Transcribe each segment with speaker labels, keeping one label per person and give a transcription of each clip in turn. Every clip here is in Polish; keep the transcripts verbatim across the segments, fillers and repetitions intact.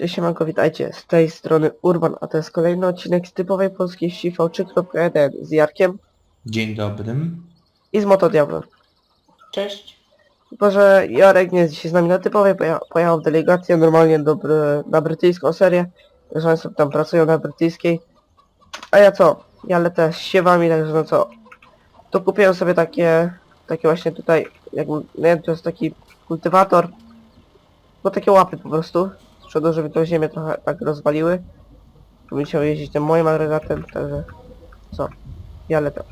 Speaker 1: Cześć, siemanko, witajcie, z tej strony Urban, a to jest kolejny odcinek z typowej polskiej wsi V trzy kropka jeden z Jarkiem
Speaker 2: Dzień dobry.
Speaker 1: i z Motodiablem.
Speaker 3: Cześć.
Speaker 1: Tylko, że Jarek nie jest dzisiaj z nami na typowej, poja pojechał w delegację normalnie do, bry na brytyjską serię, że oni sobie tam pracują na brytyjskiej. A ja co? Ja lecę z siewami, także no co? To kupiłem sobie takie, takie właśnie tutaj, jak, nie wiem, to jest taki kultywator, bo takie łapy po prostu, z przodu, żeby tą ziemię trochę tak rozwaliły. Bym chciał jeździć tym moim agregatem, także co? Ja lecę.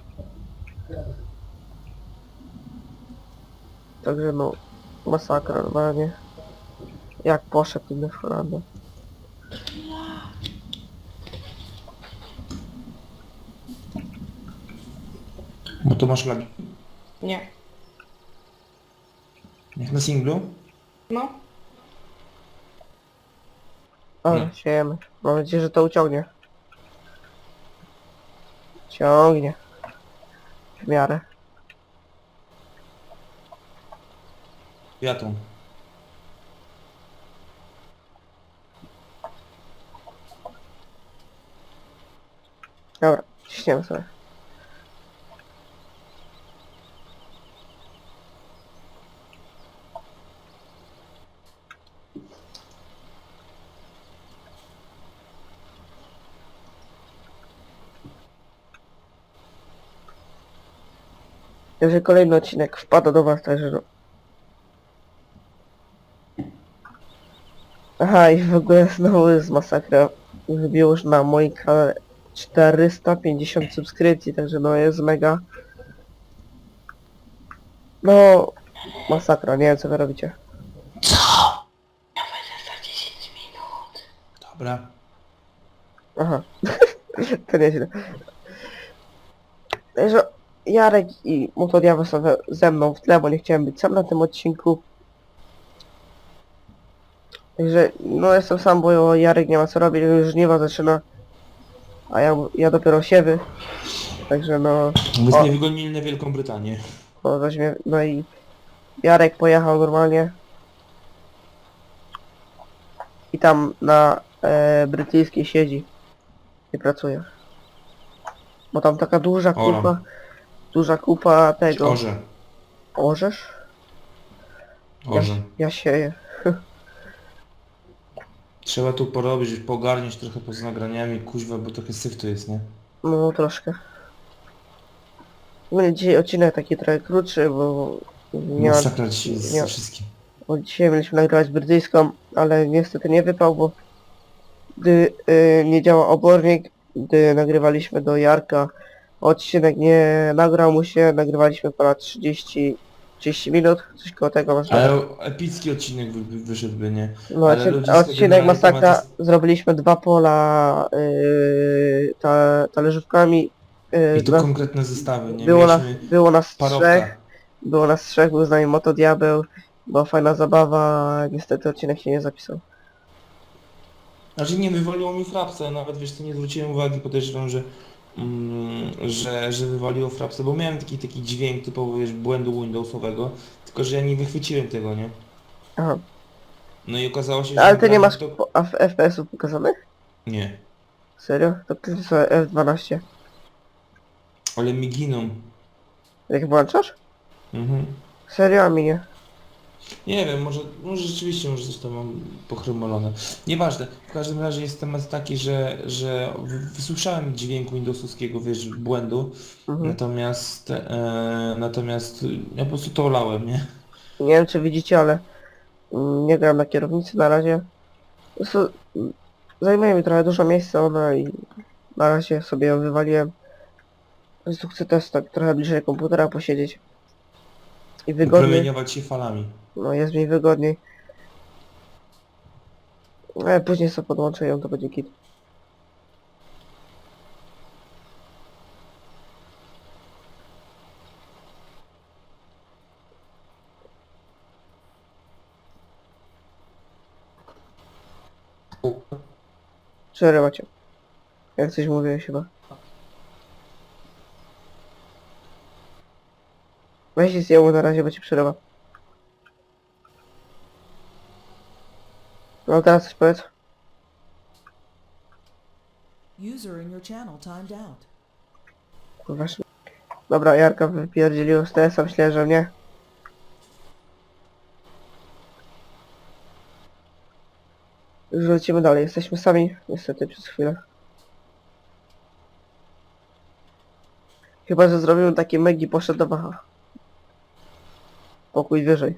Speaker 1: Także no, masakra normalnie. Jak poszedł ten Holandia.
Speaker 2: Bo to masz lagi.
Speaker 3: Nie.
Speaker 2: Jak na singlu?
Speaker 3: No.
Speaker 1: Ale
Speaker 2: Nie.
Speaker 1: siejemy. Mam nadzieję, że to uciągnie. Ciągnie. W miarę.
Speaker 2: Ja tu.
Speaker 1: Dobra, ciśniemy sobie. Jeżeli kolejny odcinek wpada do was, także no. Aha, i w ogóle znowu jest masakra. Wybiło już na moim kanale czterysta pięćdziesiąt subskrypcji, także no jest mega. No, masakra, nie wiem co wy robicie.
Speaker 2: Co?
Speaker 3: Ja będę za dziesięć minut.
Speaker 2: Dobra.
Speaker 1: Aha, to nieźle. Także Jarek i Motodiabeł są we- ze mną w tle, bo nie chciałem być sam na tym odcinku. Także no jestem sam, bo Jarek nie ma co robić, już żniwa zaczyna. A ja, ja dopiero siewy. Także no,
Speaker 2: Byśmy
Speaker 1: O.
Speaker 2: nie wygonili na Wielką Brytanię.
Speaker 1: no, weźmie, no i Jarek pojechał normalnie. I tam na e, brytyjskiej siedzi. I pracuje. Bo tam taka duża
Speaker 2: Oram.
Speaker 1: kupa, duża kupa tego.
Speaker 2: Orze.
Speaker 1: Orzesz? Ja,
Speaker 2: Orze.
Speaker 1: ja sieję.
Speaker 2: Trzeba tu porobić, pogarniać trochę poza nagraniami, kuźwa, bo trochę syf tu jest, nie?
Speaker 1: No troszkę. Będzie dzisiaj odcinek taki trochę krótszy, bo nie ma,
Speaker 2: Masakra dzisiaj z
Speaker 1: nie,
Speaker 2: wszystkim.
Speaker 1: bo dzisiaj mieliśmy nagrywać brytyjską, ale niestety nie wypał, bo gdy y, nie działa obornik, gdy nagrywaliśmy do Jarka, odcinek nie nagrał mu się, nagrywaliśmy ponad trzydzieści, trzydzieści minut, coś koło tego masz.
Speaker 2: Ale epicki odcinek wy, wy, wyszedłby, nie?
Speaker 1: No,
Speaker 2: ale
Speaker 1: odcin
Speaker 2: ludziska
Speaker 1: odcinek
Speaker 2: generalnie
Speaker 1: masakra,
Speaker 2: tematy-
Speaker 1: zrobiliśmy dwa pola yy, ta, talerzówkami. Yy,
Speaker 2: I tu
Speaker 1: na-
Speaker 2: konkretne zestawy, nie?
Speaker 1: było, na,
Speaker 2: Mieliśmy
Speaker 1: było nas
Speaker 2: parowka.
Speaker 1: trzech, było nas trzech, był z nami Motodiabeł, była fajna zabawa, niestety odcinek się nie zapisał.
Speaker 2: Znaczy nie, wywaliło mi frapsa, nawet wiesz co, nie zwróciłem uwagi, podejrzewam, że, mm, że, że wywaliło frapsa, bo miałem taki taki dźwięk typowo, wiesz, błędu Windowsowego, tylko że ja nie wychwyciłem tego, nie?
Speaker 1: Aha.
Speaker 2: No i okazało się, że...
Speaker 1: Ale ty nie masz
Speaker 2: to...
Speaker 1: po- a- F P S-ów pokazanych?
Speaker 2: Nie,
Speaker 1: Serio? To ty sobie F dwanaście.
Speaker 2: ale mi giną.
Speaker 1: Jak włączasz?
Speaker 2: Mhm.
Speaker 1: Serio, a mi nie.
Speaker 2: Nie wiem, może, może rzeczywiście, może coś tam mam pochromolone. Nieważne, w każdym razie jest temat taki, że, że w- wysłyszałem dźwięku Windowsowskiego, wiesz, błędu,
Speaker 1: Mhm.
Speaker 2: natomiast, e, natomiast ja po prostu to olałem, nie?
Speaker 1: Nie wiem czy widzicie, ale mm, nie gram na kierownicy na razie. Po prostu mm, zajmuje mi trochę dużo miejsca ona i na razie sobie ją wywaliłem. Po prostu chcę też tak trochę bliżej komputera posiedzieć. I wygodniej.
Speaker 2: Promieniować się falami.
Speaker 1: No jest mi wygodniej. Ale później sobie podłączę ją, to będzie git. Przerywa cię. Jak coś mówiłeś chyba. Weź i zjemu na razie, bo ci przerywa. No teraz coś powiedz.
Speaker 4: User in your channel timed out.
Speaker 1: Kurwa. szy- Dobra, Jarka wypierdzielił z T S a, myślę, że nie. Już lecimy dalej, jesteśmy sami, niestety, przez chwilę. Chyba, że zrobimy takie megi, poszedł do Wacha. Pokój wyżej.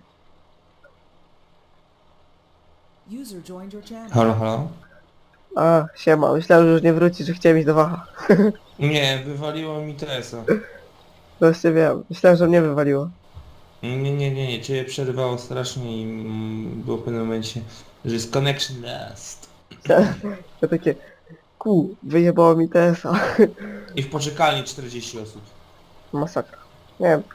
Speaker 4: User joined your channel.
Speaker 2: Halo, halo?
Speaker 1: A, siema, myślałem, że już nie wróci, że chciałem iść do Wacha.
Speaker 2: Nie, wywaliło mi T S a.
Speaker 1: Właśnie wiem, myślałem, że mnie wywaliło.
Speaker 2: Nie, nie, nie, nie, ciebie przerywało strasznie i mm, było w pewnym momencie, że jest connection lost.
Speaker 1: Ja takie, ku, wyjebało mi T S a.
Speaker 2: I w poczekalni czterdzieści osób.
Speaker 1: Masakra. Nie wiem.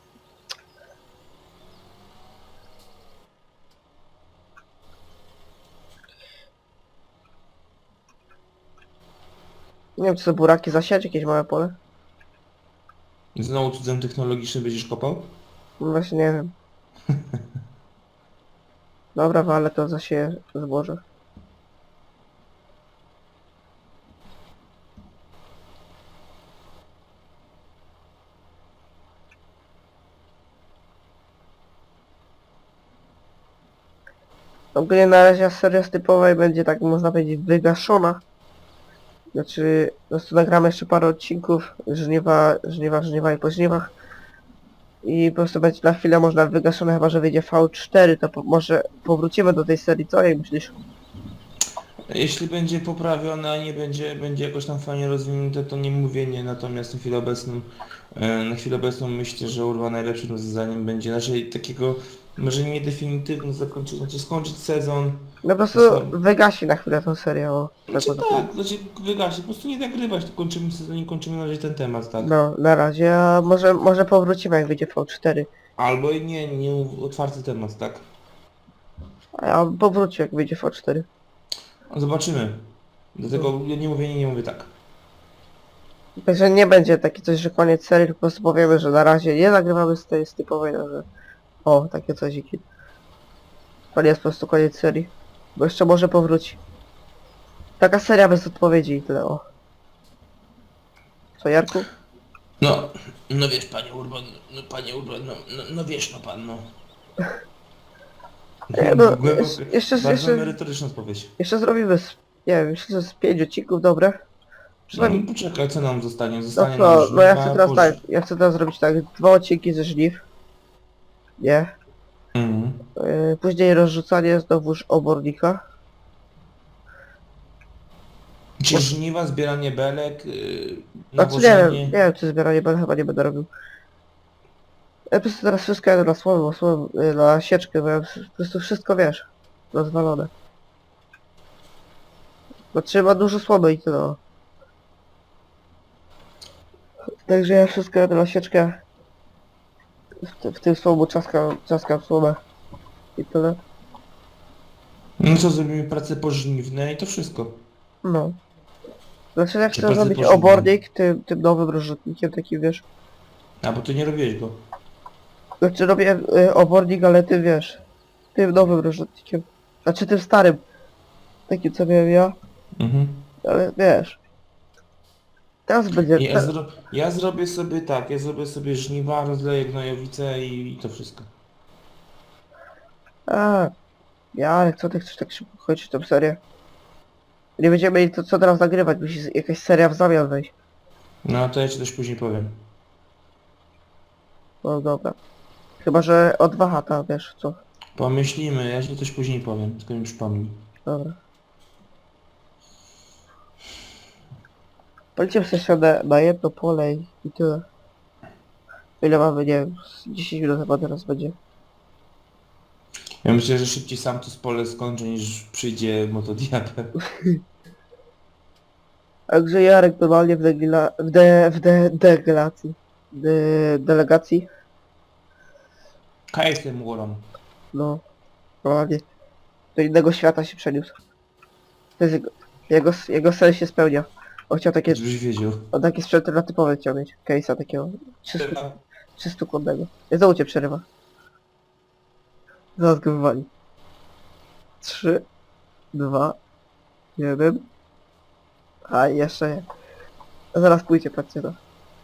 Speaker 1: Nie wiem, czy to buraki zasiać, jakieś małe pole?
Speaker 2: I znowu cudzem technologicznym będziesz kopał?
Speaker 1: No właśnie nie wiem. Dobra, ale to zasieję zboże. Ogólnie na razie seria z typowej będzie, tak można powiedzieć, wygaszona. Znaczy, po prostu nagramy jeszcze parę odcinków, żniwa, żniwa, żniwa i po żniwach. I po prostu będzie na chwilę można wygaszone, chyba że wyjdzie V cztery, to po, może powrócimy do tej serii, co jak myślisz?
Speaker 2: Jeśli będzie poprawione, a nie będzie, będzie jakoś tam fajnie rozwinięte, to nie mówię nie, natomiast na chwilę obecną, e, na chwilę obecną myślę, że Urwa najlepszym rozwiązaniem będzie, znaczy takiego, może nie definitywne zakończenie, znaczy skończyć sezon.
Speaker 1: No po prostu
Speaker 2: Są-
Speaker 1: wygasi na chwilę tą serię, o. Tak
Speaker 2: Znaczy
Speaker 1: można
Speaker 2: tak, znaczy wygasi, po prostu nie nagrywać, to kończymy sezon i kończymy na razie ten temat, tak.
Speaker 1: No, na razie, a może, może powrócimy jak wyjdzie V cztery.
Speaker 2: Albo i nie, nie otwarty temat, tak.
Speaker 1: A ja powrócił jak wyjdzie V cztery.
Speaker 2: Zobaczymy. Dlatego ja nie mówię nie, nie mówię tak.
Speaker 1: Także nie będzie takie coś, że koniec serii, tylko po prostu powiemy, że na razie nie nagrywamy z tej z typowej, no że... O, takie cosiki. To nie jest po prostu koniec serii. Bo jeszcze może powróci. Taka seria bez odpowiedzi i tyle, o. Co, Jarku?
Speaker 2: No, no wiesz panie Urban, no panie Urban, no, no, no wiesz no pan, no.
Speaker 1: Nie, no,
Speaker 2: Głęboko-
Speaker 1: jeszcze- jeszcze-
Speaker 2: bardzo
Speaker 1: jeszcze-
Speaker 2: merytoryczna odpowiedź.
Speaker 1: Jeszcze zrobimy, z, nie wiem, myślę, że z pięć odcinków, dobre?
Speaker 2: No,
Speaker 1: Przynajmniej...
Speaker 2: poczekaj, co nam zostanie?
Speaker 1: No
Speaker 2: Zostanie
Speaker 1: co,
Speaker 2: nam
Speaker 1: no ja
Speaker 2: żniwa,
Speaker 1: chcę teraz
Speaker 2: poż-
Speaker 1: tak, ja chcę teraz zrobić tak, dwa odcinki ze żniw. Nie.
Speaker 2: Mhm.
Speaker 1: Yy, później rozrzucanie znowuż obornika.
Speaker 2: Czy żniwa, zbieranie belek, yy,
Speaker 1: Znaczy nie wiem,
Speaker 2: nawożenie?
Speaker 1: nie wiem czy zbieranie będę chyba nie będę robił. Ja po prostu teraz wszystko jadę na słomę, słomę, yy, na sieczkę, bo ja po prostu wszystko wiesz. Rozwalone. Bo trzeba dużo słomy i tyle. o. Także ja wszystko jadę na sieczkę. W, ty- w tym słomu czaskam, czaskam słomę. I tyle.
Speaker 2: No co, zrobimy pracę pożniwne i to wszystko.
Speaker 1: No. Znaczy ja
Speaker 2: Czy
Speaker 1: chcę
Speaker 2: pracy
Speaker 1: zrobić
Speaker 2: pożniwne?
Speaker 1: obornik tym, tym nowym rozrzutnikiem takim wiesz.
Speaker 2: A, bo ty nie robiłeś go.
Speaker 1: Znaczy robię y, obornik, ale ty wiesz. Tym nowym rozrzutnikiem. Znaczy tym starym. Takim co miałem ja.
Speaker 2: Mhm.
Speaker 1: Ale wiesz. Teraz będzie...
Speaker 2: Ja,
Speaker 1: Te...
Speaker 2: zro... ja zrobię sobie tak, ja zrobię sobie żniwa, rozleję gnojowice i, i to wszystko.
Speaker 1: A, ja, ale co ty chcesz tak szybko chodzić tą serię? Nie będziemy mieli to co teraz nagrywać, musi z- jakaś seria w zamian wejść.
Speaker 2: No to ja ci coś później powiem.
Speaker 1: No dobra. Chyba, że od Wahata, wiesz co.
Speaker 2: Pomyślimy, ja ci coś później powiem, tylko mi przypomnij.
Speaker 1: Dobra. Polecimy sobie na, na jedno pole i i tyle. Ile mamy, nie wiem, z dziesięć minut chyba teraz będzie.
Speaker 2: Ja myślę, że szybciej sam to z pole skończę niż przyjdzie motodiabeł.
Speaker 1: Także Jarek normalnie w degila... w de... w de... delegacji. De... delegacji.
Speaker 2: K S M Warren.
Speaker 1: No. Normalnie. Do innego świata się przeniósł. To jest jego... Jego, jego sen się spełnia. On chciał takie...
Speaker 2: Żebyś wiedział.
Speaker 1: On takie sprzęty na typowe chciał mieć. Case'a takiego. trzysta kłodnego. Ja znowu cię przerywa. Zaraz go wywali. trzy, dwa, jeden. A jeszcze nie. Zaraz pójdzie, patrzcie to.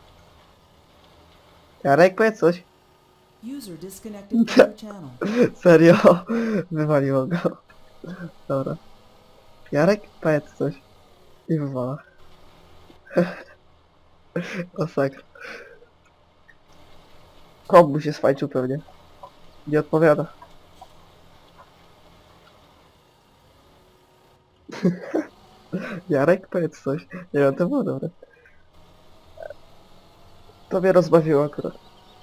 Speaker 1: Jarek, powiedz coś.
Speaker 4: User disconnected from your channel.
Speaker 1: Serio? Wywaliło go. Dobra. Jarek, powiedz coś. I wywala. Masakra. Komu się sfajczył pewnie. Nie odpowiada. Jarek, powiedz coś. Nie wiem, to było dobre. To mnie rozbawiło akurat.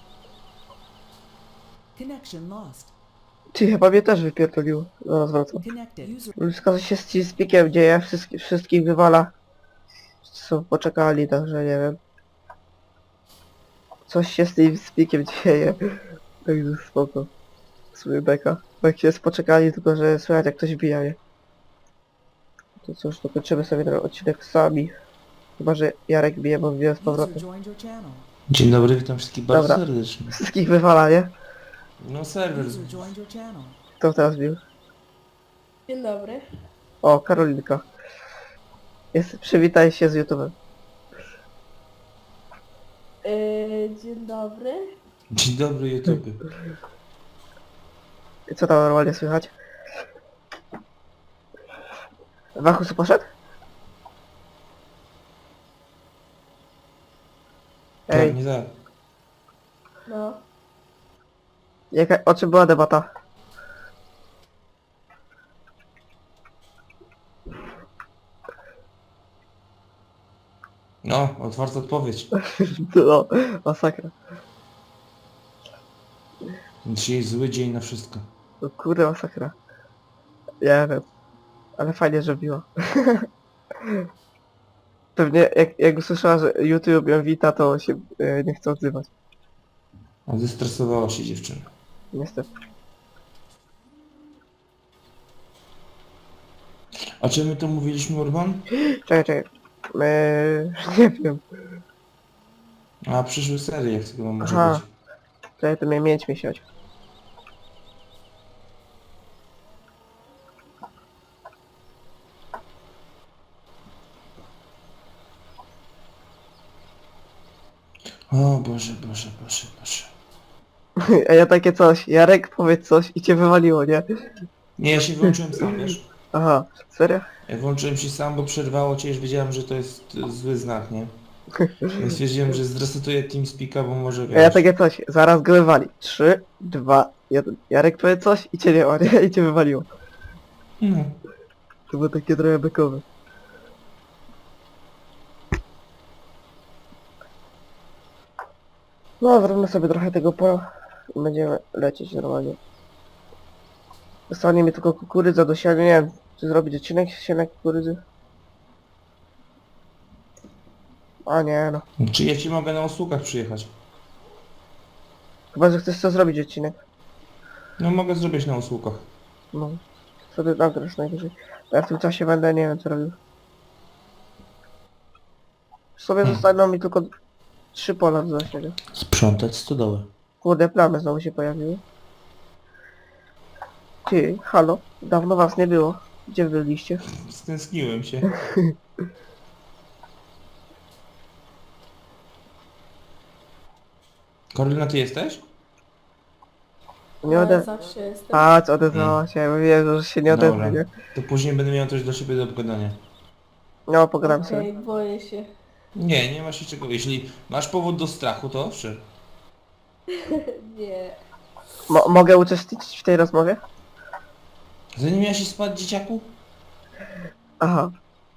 Speaker 4: Connection lost.
Speaker 1: Ty chyba mnie też wypierdoliło. Zaraz wracam.
Speaker 4: Connected. User
Speaker 1: Wszystko co się z Teamspeakiem dzieje, wszystkich, wszystkich wywala. Co poczekali, także nie wiem. Coś się z Teamspeakiem dzieje. Także spoko. Sobie beka. Bo jak się jest poczekali, tylko że słychać jak ktoś bija, nie? To cóż, dokończymy sobie ten odcinek sami. Chyba, że Jarek bije, bo bije z
Speaker 4: user
Speaker 1: powrotem.
Speaker 4: joined your channel.
Speaker 2: Dzień dobry, witam wszystkich bardzo
Speaker 1: Dobra.
Speaker 2: serdecznie.
Speaker 1: Wszystkich wywala, nie?
Speaker 2: No serwer.
Speaker 4: User joined your channel.
Speaker 1: Kto teraz bił?
Speaker 3: Dzień dobry.
Speaker 1: O, Karolinka. Jest, przywitaj się z YouTube'em.
Speaker 3: Yy, dzień dobry.
Speaker 2: Dzień dobry YouTube.
Speaker 1: I co tam normalnie słychać? Wachus poszedł? Ej,
Speaker 2: Tak, nie tak.
Speaker 3: No.
Speaker 1: jaka, o czym była debata?
Speaker 2: No, otwarta odpowiedź.
Speaker 1: No, masakra.
Speaker 2: Dzisiaj jest zły dzień na wszystko.
Speaker 1: No kurde, masakra. Ja wiem. Ale fajnie, że biła. Pewnie jak, jak usłyszała, że YouTube ją wita, to się e, nie chce odzywać.
Speaker 2: A zestresowała się dziewczyna.
Speaker 1: Niestety.
Speaker 2: A czy my to mówiliśmy, Urban?
Speaker 1: Czekaj, czekaj. Eee, nie wiem.
Speaker 2: A przyszły serie, jak tego może
Speaker 1: Aha.
Speaker 2: być.
Speaker 1: Czekaj, to mnie mieć miesiąc.
Speaker 2: O Boże, Boże, Boże, Boże.
Speaker 1: A ja takie coś. Jarek, powiedz coś i cię wywaliło, nie?
Speaker 2: Nie, ja się wyłączyłem sam, wiesz?
Speaker 1: Aha, serio?
Speaker 2: Ja włączyłem się sam, bo przerwało cię, już wiedziałem, że to jest e, zły znak, nie? Więc stwierdziłem, że zresetuję TeamSpeaka, bo może
Speaker 1: A
Speaker 2: wiesz...
Speaker 1: ja takie coś. Zaraz go wywali. Trzy, dwa, jeden. Jarek, powiedz coś i cię nie ma, nie? I cię wywaliło.
Speaker 2: No.
Speaker 1: To było takie trochę bekowe. No, zrobimy sobie trochę tego pola i będziemy lecieć normalnie. Zostanie mi tylko kukurydza do siania, nie wiem, czy zrobić odcinek siania kukurydzy? A nie no.
Speaker 2: Czy ja ci mogę na usługach przyjechać?
Speaker 1: Chyba, że chcesz co zrobić odcinek.
Speaker 2: No mogę zrobić na usługach.
Speaker 1: No. Wtedy nagrasz najwyżej. A ja w tym czasie będę, nie wiem co robił. W sobie
Speaker 2: Hmm.
Speaker 1: zostaną mi tylko trzy pola do zasiania.
Speaker 2: Sprzątać stodołę.
Speaker 1: Kurde, plamy znowu się pojawiły. Ty, halo, dawno was nie było. Gdzie wy byliście?
Speaker 2: Stęskniłem się. Karolina, ty jesteś?
Speaker 1: Nie
Speaker 3: Ja
Speaker 1: ode...
Speaker 3: zawsze jestem.
Speaker 1: A, co odezwała się, bo wiem, że się nie odezwie,
Speaker 2: Dobra.
Speaker 1: nie?
Speaker 2: To później będę miał coś do siebie do pogadania.
Speaker 1: No, pogadam
Speaker 3: Okej,
Speaker 1: sobie.
Speaker 3: boję się.
Speaker 2: Nie, nie masz się czego. Jeśli masz powód do strachu, to owszem.
Speaker 3: Nie.
Speaker 1: Mo mogę uczestniczyć w tej rozmowie?
Speaker 2: Zanim miałeś spać, dzieciaku?
Speaker 1: Aha.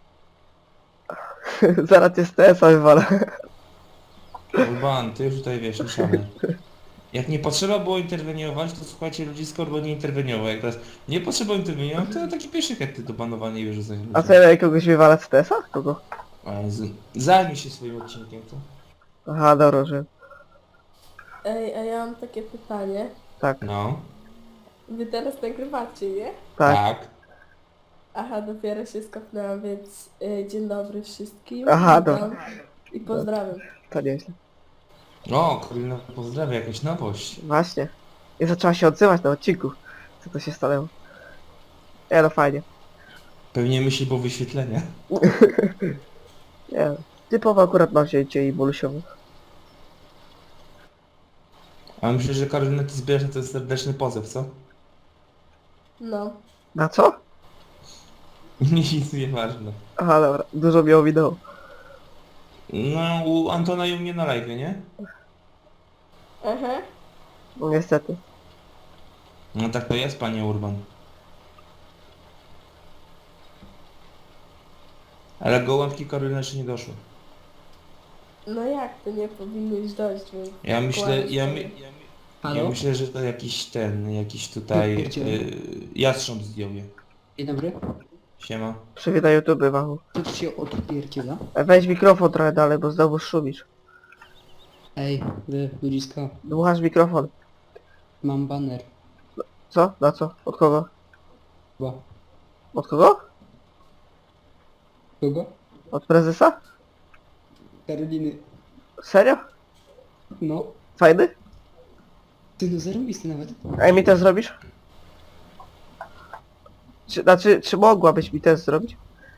Speaker 1: Zaraz cię z T S a wywalę.
Speaker 2: Urban, ty już tutaj wiesz, nie szalej. Jak nie potrzeba było interweniować, to słuchajcie, ludzisko, bo nie interweniował. Jak teraz nie potrzeba interweniować, to taki pierwszy hety do banowania i wyrzucać ludzi.
Speaker 1: A co, ja kogoś wywalać z T S a? Kogo?
Speaker 2: O Jezu. Zajmij się swoim odcinkiem, to.
Speaker 1: Aha, dobra, że...
Speaker 3: Ej, a ja mam takie pytanie.
Speaker 1: Tak,
Speaker 2: No.
Speaker 3: Wy teraz nagrywacie, nie?
Speaker 1: tak.
Speaker 2: Tak.
Speaker 3: Aha, dopiero się skopnęłam, więc y, dzień dobry wszystkim.
Speaker 1: Aha,
Speaker 3: Witam
Speaker 1: dobra.
Speaker 3: I pozdrawiam.
Speaker 1: To nieźle.
Speaker 2: O, Karolina pozdrawia, jakaś nowość.
Speaker 1: Właśnie. I zaczęła się odzywać na odcinku. Co to się stanęło? Ja no fajnie.
Speaker 2: Pewnie myśli po wyświetlenia.
Speaker 1: Nie, typowo akurat na wzięcie i bolusiowe.
Speaker 2: A myślę, że Karolina, ty zbierasz na ten serdeczny pozew, co?
Speaker 3: No.
Speaker 1: Na co?
Speaker 2: Nic nie ważne.
Speaker 1: Aha, dobra, dużo mi ominęło.
Speaker 2: No, u Antona i u mnie na live, nie?
Speaker 3: Aha.
Speaker 1: No niestety.
Speaker 2: No tak to jest, panie Urban. Ale gołąbki Karolina jeszcze nie doszły.
Speaker 3: No jak to nie powinnyś dojść, więc...
Speaker 2: Ja myślę, ja, my,
Speaker 3: kłamstwo.
Speaker 2: ja, my,
Speaker 5: Halo?
Speaker 2: ja myślę, że to jakiś ten, jakiś tutaj
Speaker 5: Gdzie?
Speaker 2: y, jastrząb zdjął je.
Speaker 5: Dzień dobry.
Speaker 2: Siema.
Speaker 1: Przywitaj YouTube, Wachu.
Speaker 5: Co tu się odpierdziela?
Speaker 1: E, Weź mikrofon trochę dalej, bo znowu szumisz.
Speaker 5: Ej, wy ludziska,
Speaker 1: Dmuchasz mikrofon.
Speaker 5: mam baner.
Speaker 1: Co? Na co? Od kogo?
Speaker 5: Chyba.
Speaker 1: Od kogo?
Speaker 5: Kogo?
Speaker 1: Od prezesa?
Speaker 5: Karoliny.
Speaker 1: Serio?
Speaker 5: No.
Speaker 1: Fajny?
Speaker 5: Ty no zarobisty nawet.
Speaker 1: A mi też zrobisz? Czy, znaczy, czy mogłabyś mi też zrobić?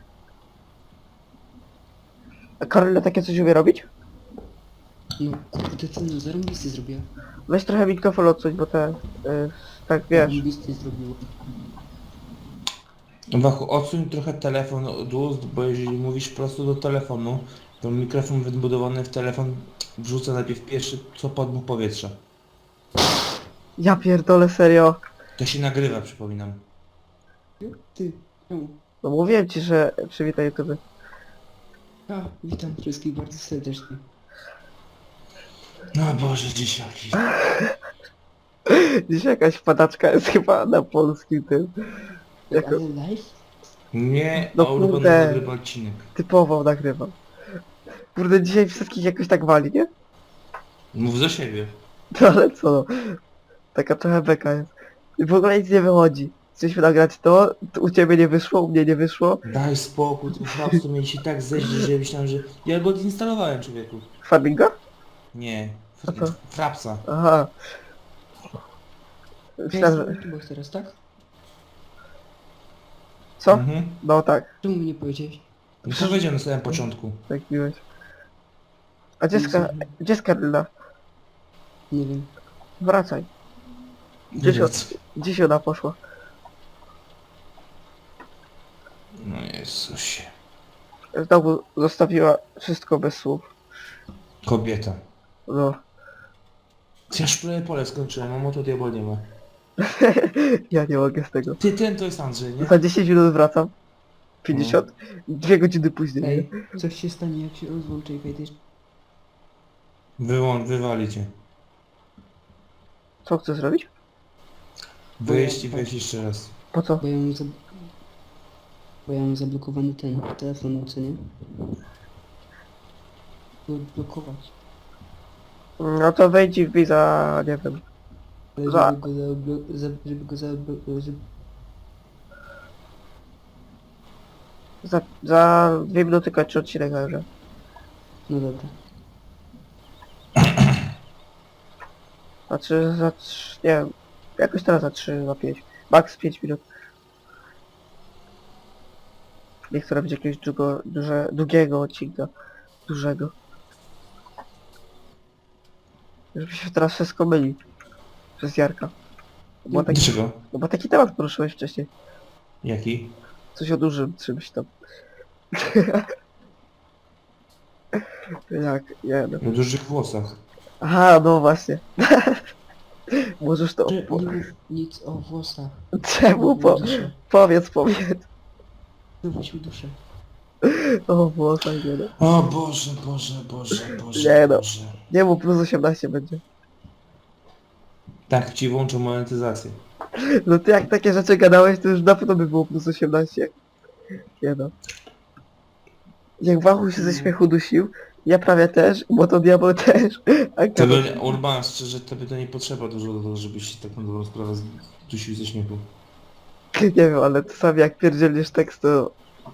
Speaker 1: A Karolina takie coś umie robić?
Speaker 5: No kurde, ty no zarobisty zrobiła.
Speaker 1: Weź trochę mikrofon odsuń, bo te... Y, tak wiesz.
Speaker 5: Zarobisty zrobił.
Speaker 2: Wachu, odsuń trochę telefon od ust, bo jeżeli mówisz prosto do telefonu, to mikrofon wybudowany w telefon wrzuca najpierw pierwszy, co podmuch powietrza.
Speaker 1: Ja pierdolę, serio.
Speaker 2: To się nagrywa, przypominam.
Speaker 5: Ty, czemu?
Speaker 1: No mówiłem ci, że przywitaj YouTube.
Speaker 5: A, witam wszystkich bardzo serdecznie.
Speaker 2: No Boże, dzieciaki.
Speaker 1: Dzisiaj jakaś padaczka jest chyba na polskim tym. Jako
Speaker 5: Ale live?
Speaker 2: Nie,
Speaker 1: No
Speaker 2: no, Urban
Speaker 1: kurde.
Speaker 2: nagrywa odcinek.
Speaker 1: typowo nagrywam. Kurde, dzisiaj wszystkich jakoś tak wali, nie?
Speaker 2: Mów za siebie.
Speaker 1: No ale co no. Taka trochę beka jest. I w ogóle nic nie wychodzi. Chcieliśmy nagrać to, to u ciebie nie wyszło, u mnie nie wyszło.
Speaker 2: Daj spokój, tym frapsu mieli się tak zeźli, że myślałem, że... Ja go odinstalowałem, człowieku.
Speaker 1: Farminga?
Speaker 2: Nie,
Speaker 1: A co?
Speaker 2: frapsa.
Speaker 1: Aha.
Speaker 5: Ja
Speaker 1: Myślałem,
Speaker 5: jestem
Speaker 1: że...
Speaker 5: na YouTubach teraz, tak?
Speaker 1: Co?
Speaker 2: Mhm.
Speaker 1: No tak,
Speaker 5: Czemu mi nie powiedziałeś?
Speaker 2: No to powiedziałem na samym początku.
Speaker 1: tak miłeś. A gdzie jest, Ka- gdzie jest Karolina?
Speaker 5: Nie wiem.
Speaker 1: Wracaj. Gdzie się, gdzie się ona poszła?
Speaker 2: No Jezusie.
Speaker 1: Znowu zostawiła wszystko bez słów.
Speaker 2: Kobieta.
Speaker 1: No.
Speaker 2: Ja szpilę pole skończyłem, a moto diabła nie ma.
Speaker 1: Ja nie mogę z tego.
Speaker 2: Ty, ten to jest Andrzej, nie?
Speaker 1: Za dziesięć minut wracam. pięćdziesiąt. Dwie godziny później.
Speaker 5: Ej, coś się stanie jak się rozłączę i wejdziesz.
Speaker 2: Wyłącz, wywali cię.
Speaker 1: Co chcesz zrobić?
Speaker 2: Wyjść i wejść jeszcze raz.
Speaker 1: Po co?
Speaker 5: Bo ja mam zab... Bo ja mam zablokowany ten telefon, co nie? Go odblokować.
Speaker 1: No to wejdź i wbij za... nie wiem.
Speaker 5: Ale
Speaker 1: Za-
Speaker 5: żeby go zaoblo... za... żeby go zaoblo... żeby...
Speaker 1: Za, za dwie minuty kończy odcinek także.
Speaker 5: No dobra.
Speaker 1: Znaczy za trz... nie wiem. Jakoś teraz za trzy, za pięć. Max pięć minut. Nie chcę robić jakiegoś długo, duże, długiego odcinka. Dużego. Żeby się teraz wszystko myli. Przez Jarka. Bo taki,
Speaker 2: Dlaczego?
Speaker 1: no bo taki temat poruszyłeś wcześniej.
Speaker 2: Jaki?
Speaker 1: Coś o dużym czymś tam. Jak, nie no.
Speaker 2: O dużych włosach.
Speaker 1: Aha, no właśnie. Możesz to...
Speaker 5: Że
Speaker 1: Po...
Speaker 5: nie mów nic o włosach.
Speaker 1: Czemu? Po...
Speaker 5: Duszę.
Speaker 1: Powiedz, powiedz.
Speaker 5: Wywóź mi duszę.
Speaker 1: O Boże, nie no.
Speaker 2: O Boże, Boże, Boże, Boże,
Speaker 1: Nie no.
Speaker 2: Boże.
Speaker 1: Nie mów, plus osiemnaście będzie.
Speaker 2: Tak ci włączą monetyzację.
Speaker 1: No ty jak takie rzeczy gadałeś, to już dawno by było plus osiemnaście. Nie no. Jak Wachu się ze śmiechu dusił, ja prawie też, bo to diabeł też. A
Speaker 2: To
Speaker 1: gadał-
Speaker 2: by, Urban, szczerze, tobie to nie potrzeba dużo do tego, żebyś się tak na dobrą sprawę dusił ze śmiechu.
Speaker 1: Nie wiem, ale czasami jak pierdzielniesz tekst, to...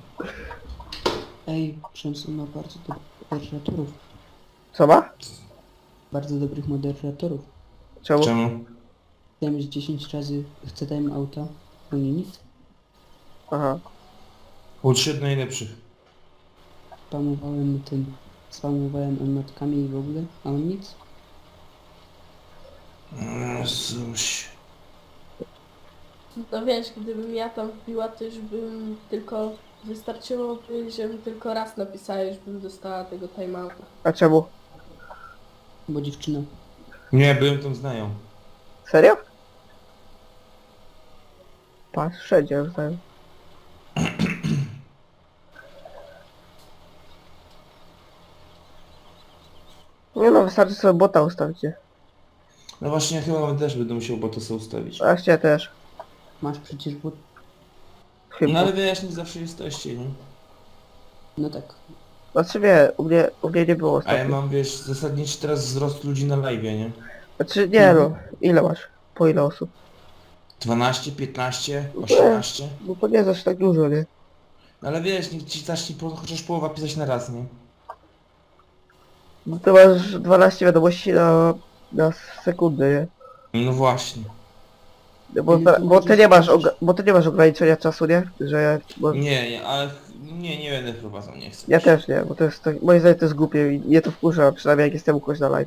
Speaker 5: Ej, Przemysł ma bardzo dobrych moderatorów.
Speaker 1: Co ma?
Speaker 5: Bardzo dobrych moderatorów.
Speaker 1: Czemu?
Speaker 2: Czemu?
Speaker 5: Wiem, że dziesięć razy chcę dać auta, oni nic.
Speaker 1: Aha.
Speaker 2: Utrzymaj najlepszych.
Speaker 5: spamowałem tym, spamowałem emotkami i w ogóle, a on nic.
Speaker 2: Jezuś.
Speaker 3: No wiesz, gdybym ja tam wbiła, to już bym tylko... Wystarczyłoby, żebym tylko raz napisała, już bym dostała tego timeouta.
Speaker 1: A czemu?
Speaker 5: Bo dziewczyna.
Speaker 2: Nie, byłem tam znają.
Speaker 1: Serio? Patrz, wszędzie już znają. Nie no, wystarczy sobie bota ustawić, nie?
Speaker 2: No właśnie, ja chyba też będę musiał bota sobie ustawić.
Speaker 1: A cię też.
Speaker 5: Masz przecież but...
Speaker 1: Chyba.
Speaker 2: No ale wiesz, nie zawsze jesteście, nie?
Speaker 5: No tak.
Speaker 1: Znaczy nie, u mnie, u mnie nie było
Speaker 2: A ja
Speaker 1: ostatnio.
Speaker 2: mam, wiesz, zasadniczy teraz wzrost ludzi na live, nie?
Speaker 1: Znaczy nie no, ile masz? Po ile osób?
Speaker 2: dwanaście, piętnaście, osiemnaście.
Speaker 1: No to nie zaś tak dużo, nie?
Speaker 2: No ale wiesz, niech ci zacznie po, chociaż połowa pisać na raz, nie?
Speaker 1: No to masz dwanaście wiadomości na, na sekundę, nie?
Speaker 2: No właśnie.
Speaker 1: No Bo, ta, bo, ty nie masz, oga- bo ty nie masz ograniczenia czasu, nie? Że bo,
Speaker 2: Nie, nie, ale nie, nie będę wprowadzał, nie chcę.
Speaker 1: ja też nie, bo to jest, tak, moim zdaniem to jest głupie i mnie to wkurza, przynajmniej jak jestem u kogoś na live.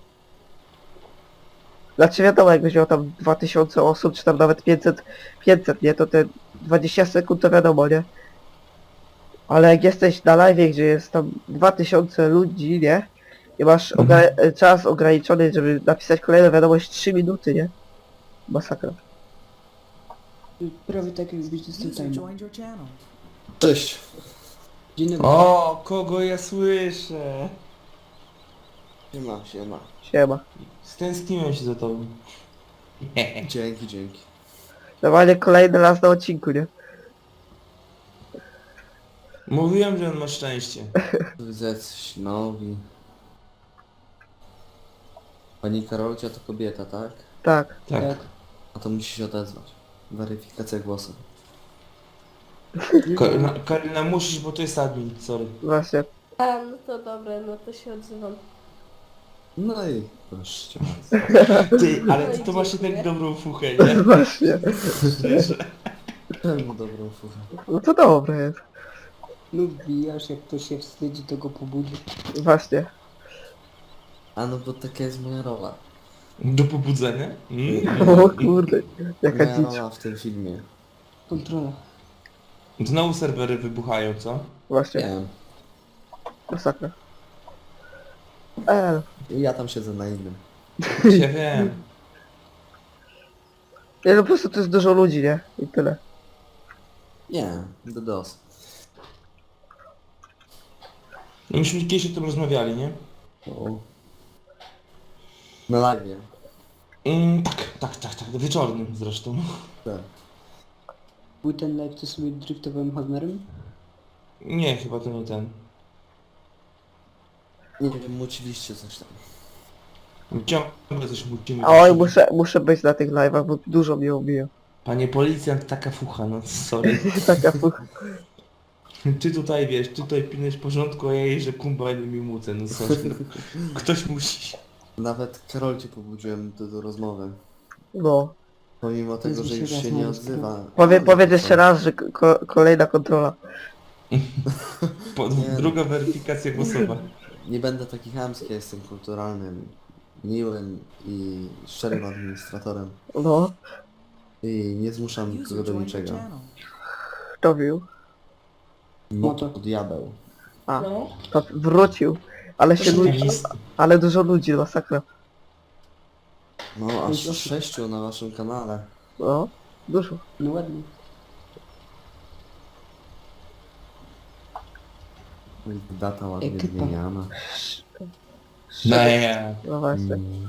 Speaker 1: Znaczy wiadomo, jakbyś miał tam dwa tysiące osób, czy tam nawet pięćset, pięćset, nie? To te dwadzieścia sekund to wiadomo, nie? Ale jak jesteś na live, gdzie jest tam dwa tysiące ludzi, nie? I masz ogra- czas ograniczony, żeby napisać kolejną wiadomość trzy minuty, nie? Masakra.
Speaker 5: Prawie tak jakbyś dostał
Speaker 4: User
Speaker 5: time.
Speaker 4: joined your channel.
Speaker 6: Cześć.
Speaker 5: Dzień dobry.
Speaker 2: O, kogo ja słyszę?
Speaker 6: Siema, siema.
Speaker 1: Siema.
Speaker 2: Stęskniłem się za tobą.
Speaker 6: Dzięki, dzięki.
Speaker 1: Normalnie kolejny raz na odcinku, nie?
Speaker 2: Mówiłem, że on ma szczęście.
Speaker 6: Widzę jacyś nowi. Pani Karolcia to kobieta, tak?
Speaker 1: Tak.
Speaker 2: Tak.
Speaker 5: Tak.
Speaker 6: A to musi się odezwać. Weryfikacja głosu.
Speaker 2: Karolina, Karolina musisz, bo to jest admin, sorry.
Speaker 1: Właśnie.
Speaker 3: A, no to dobra, no to się odzywam.
Speaker 6: No i proszę cię bardzo.
Speaker 2: Ty, ale
Speaker 3: No
Speaker 2: ty
Speaker 3: i
Speaker 2: to masz
Speaker 3: dziękuję.
Speaker 2: jednak dobrą fuchę, nie?
Speaker 1: Właśnie.
Speaker 2: Szczerze.
Speaker 6: Pełną dobrą fuchę.
Speaker 1: No to dobre jest.
Speaker 5: No wbijasz, jak ktoś się wstydzi, to go pobudzi.
Speaker 1: Właśnie.
Speaker 6: A no bo taka jest moja rola.
Speaker 2: Do pobudzenia? Mm.
Speaker 1: O kurde. Jaka
Speaker 6: Moja
Speaker 1: dzicz.
Speaker 6: rola w tym filmie.
Speaker 5: Kontrola.
Speaker 2: Znowu serwery wybuchają, co?
Speaker 1: Właśnie.
Speaker 6: Nie wiem.
Speaker 1: Masakra. E,
Speaker 6: Ja tam siedzę na innym.
Speaker 2: Ja wiem.
Speaker 1: nie no po prostu to jest dużo ludzi, nie? I tyle.
Speaker 6: Nie, do dos.
Speaker 2: No myśmy kiedyś o tym rozmawiali, nie?
Speaker 6: O. Na live.
Speaker 2: Mm, tak, tak, tak, tak, wieczornym zresztą.
Speaker 6: Tak.
Speaker 5: Był ten live, co sobie driftowałem Hammerem?
Speaker 2: Nie, chyba to nie ten.
Speaker 6: Nie wiem, muciliście coś tam.
Speaker 2: Ciągle coś musimy.
Speaker 1: Oj, muszę, muszę być na tych live'ach, bo dużo mnie obiją.
Speaker 2: Panie policjant, taka fucha, no sorry.
Speaker 1: Taka fuch.
Speaker 2: Ty tutaj wiesz, ty tutaj pilnujesz porządku, a ja jeżdżę kumba i mi mucę, no sorry. No. Ktoś musi.
Speaker 6: Nawet Karolcie pobudziłem do, do rozmowy.
Speaker 1: No.
Speaker 6: Pomimo tego, że już się nie odzywa.
Speaker 1: Powie, powiedz jeszcze raz, że ko kolejna kontrola.
Speaker 2: Po,
Speaker 6: Nie.
Speaker 2: druga weryfikacja głosowa.
Speaker 6: Nie będę taki chamski, ja jestem kulturalnym, miłym i szczerym administratorem.
Speaker 1: No.
Speaker 6: I nie zmuszam
Speaker 4: User
Speaker 6: nikogo do
Speaker 4: joined your
Speaker 6: niczego.
Speaker 4: channel.
Speaker 1: Kto wił?
Speaker 6: No
Speaker 5: to-
Speaker 6: to diabeł.
Speaker 1: A,
Speaker 3: No.
Speaker 1: to wrócił. Ale się ludzi,
Speaker 2: Satanista.
Speaker 1: ale dużo ludzi, masakra.
Speaker 6: No aż sześciu na waszym kanale.
Speaker 1: No. Dużo.
Speaker 5: No ładnie.
Speaker 6: Data ładnie
Speaker 5: Ekipa.
Speaker 6: zmieniana.
Speaker 2: No nie.
Speaker 1: No właśnie.
Speaker 6: Mm.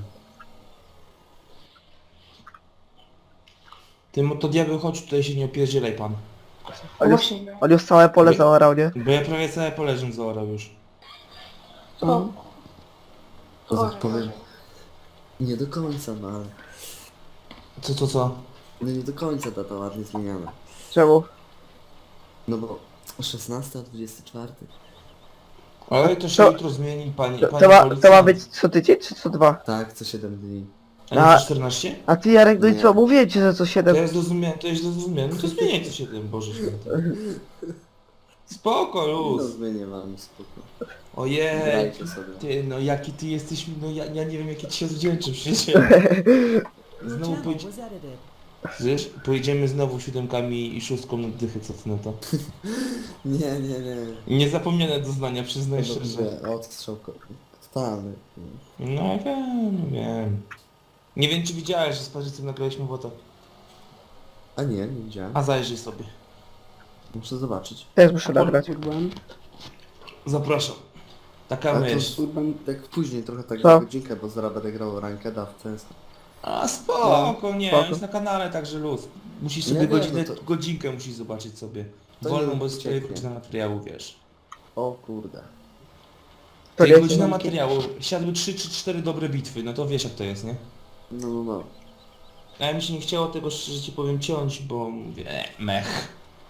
Speaker 2: Tym to diabeł, chodź tutaj się nie opierdzielaj pan.
Speaker 1: On już, on już całe pole zaorał, nie?
Speaker 2: Bo ja prawie całe poleżę zaorał już.
Speaker 3: O,
Speaker 6: To
Speaker 3: O,
Speaker 6: tak powiem. Nie do końca, no ale...
Speaker 2: Co, co, co?
Speaker 6: No nie do końca data ładnie zmieniana.
Speaker 1: Czemu?
Speaker 6: No bo szesnasta, dwudziesty czwarty.
Speaker 2: Ale to się
Speaker 1: To-
Speaker 2: jutro zmieni, pani,
Speaker 1: To,
Speaker 2: pani
Speaker 1: to, ma, to
Speaker 2: policjant.
Speaker 1: ma być co tydzień, czy co dwa?
Speaker 6: Tak, co siedem dni.
Speaker 2: A nie
Speaker 1: A-
Speaker 2: co czternaście?
Speaker 1: A ty Jarek, no i
Speaker 6: Nie.
Speaker 1: co? Mówię ci, że co
Speaker 2: To
Speaker 1: siedem.
Speaker 2: ja zrozumiałem, to ja zrozumiałem. No to zmieniaj co siedem, Boże święty. Spoko,
Speaker 6: No
Speaker 2: luz.
Speaker 6: zmienię wam spoko.
Speaker 2: Ojej.
Speaker 6: Grajcie sobie.
Speaker 2: Ty, no jaki ty jesteś, no ja, ja nie wiem jakie ci się odwdzięczy przecież.
Speaker 4: Your
Speaker 2: Znowu
Speaker 4: channel
Speaker 2: pójdzie,
Speaker 4: was edited.
Speaker 2: wiesz, pojedziemy znowu siódemkami i szóstką na dychy, co ty na to?
Speaker 6: Nie, nie, nie.
Speaker 2: Niezapomniane doznania, przyznaj szczerze.
Speaker 6: Dobrze, odstrzał ko- totalny.
Speaker 2: No wiem, no wiem. Nie wiem czy widziałeś, że z Parzycem nagraliśmy WOTA.
Speaker 6: A nie, nie widziałem.
Speaker 2: A zajrzyj sobie.
Speaker 6: Muszę zobaczyć.
Speaker 1: Też muszę nagrać.
Speaker 5: Urban,
Speaker 2: Zapraszam. Taka
Speaker 6: Ale to
Speaker 2: myśl.
Speaker 5: Urban,
Speaker 6: Tak później trochę tak
Speaker 1: Co?
Speaker 6: na godzinkę, bo zaraz będę grał rankeda w ten sposób.
Speaker 2: A spoko, nie,
Speaker 1: spoko.
Speaker 2: jest na kanale, także luz. Musisz
Speaker 6: Nie,
Speaker 2: sobie
Speaker 6: nie,
Speaker 2: godzinę,
Speaker 6: no to-
Speaker 2: godzinkę musisz zobaczyć sobie.
Speaker 6: To
Speaker 2: Wolną,
Speaker 6: nie
Speaker 2: bo jest twoja
Speaker 6: ucieknie.
Speaker 2: godzina materiału, wiesz.
Speaker 6: O kurde.
Speaker 1: To
Speaker 2: To
Speaker 1: wiecie,
Speaker 2: godzina
Speaker 5: no,
Speaker 2: materiału, siadły trzy czy cztery dobre bitwy, no to wiesz jak to jest, nie?
Speaker 6: No, no, no.
Speaker 2: A ja mi się nie chciało tego, szczerze ci powiem, ciąć, bo mówię, e, mech.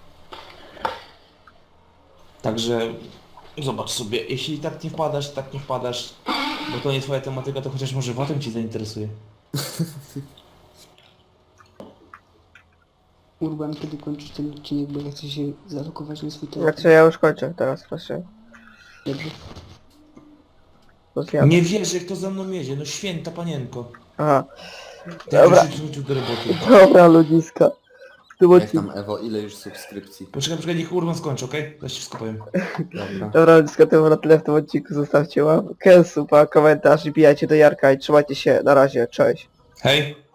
Speaker 2: Także zobacz sobie, jeśli tak nie wpadasz, tak nie wpadasz, bo to nie twoja tematyka, to chociaż może potem ci zainteresuje.
Speaker 5: Urban, kiedy kończysz ten odcinek, bo ja chcę się zalokować na swój telefon.
Speaker 1: Znaczy ja już kończę teraz właśnie.
Speaker 5: Dobrze.
Speaker 1: Rozjadę.
Speaker 2: Nie wierzę, kto za mną jedzie, no święta panienko.
Speaker 1: Aha.
Speaker 2: Tak
Speaker 1: Dobra.
Speaker 2: już wrócił do roboty.
Speaker 1: Dobra ludziska. W tym
Speaker 6: Jak
Speaker 1: odcinku.
Speaker 6: tam Ewo, ile już subskrypcji?
Speaker 2: Poczekaj, poczekaj, niech Urban skończy, okej? Zaś ci wszystko powiem.
Speaker 6: Dobra.
Speaker 1: Dobra ludziska, to było na tyle w tym odcinku. Zostawcie łapkę, suba, komentarz i bijajcie do Jarka i trzymajcie się. Na razie, cześć.
Speaker 2: Hej!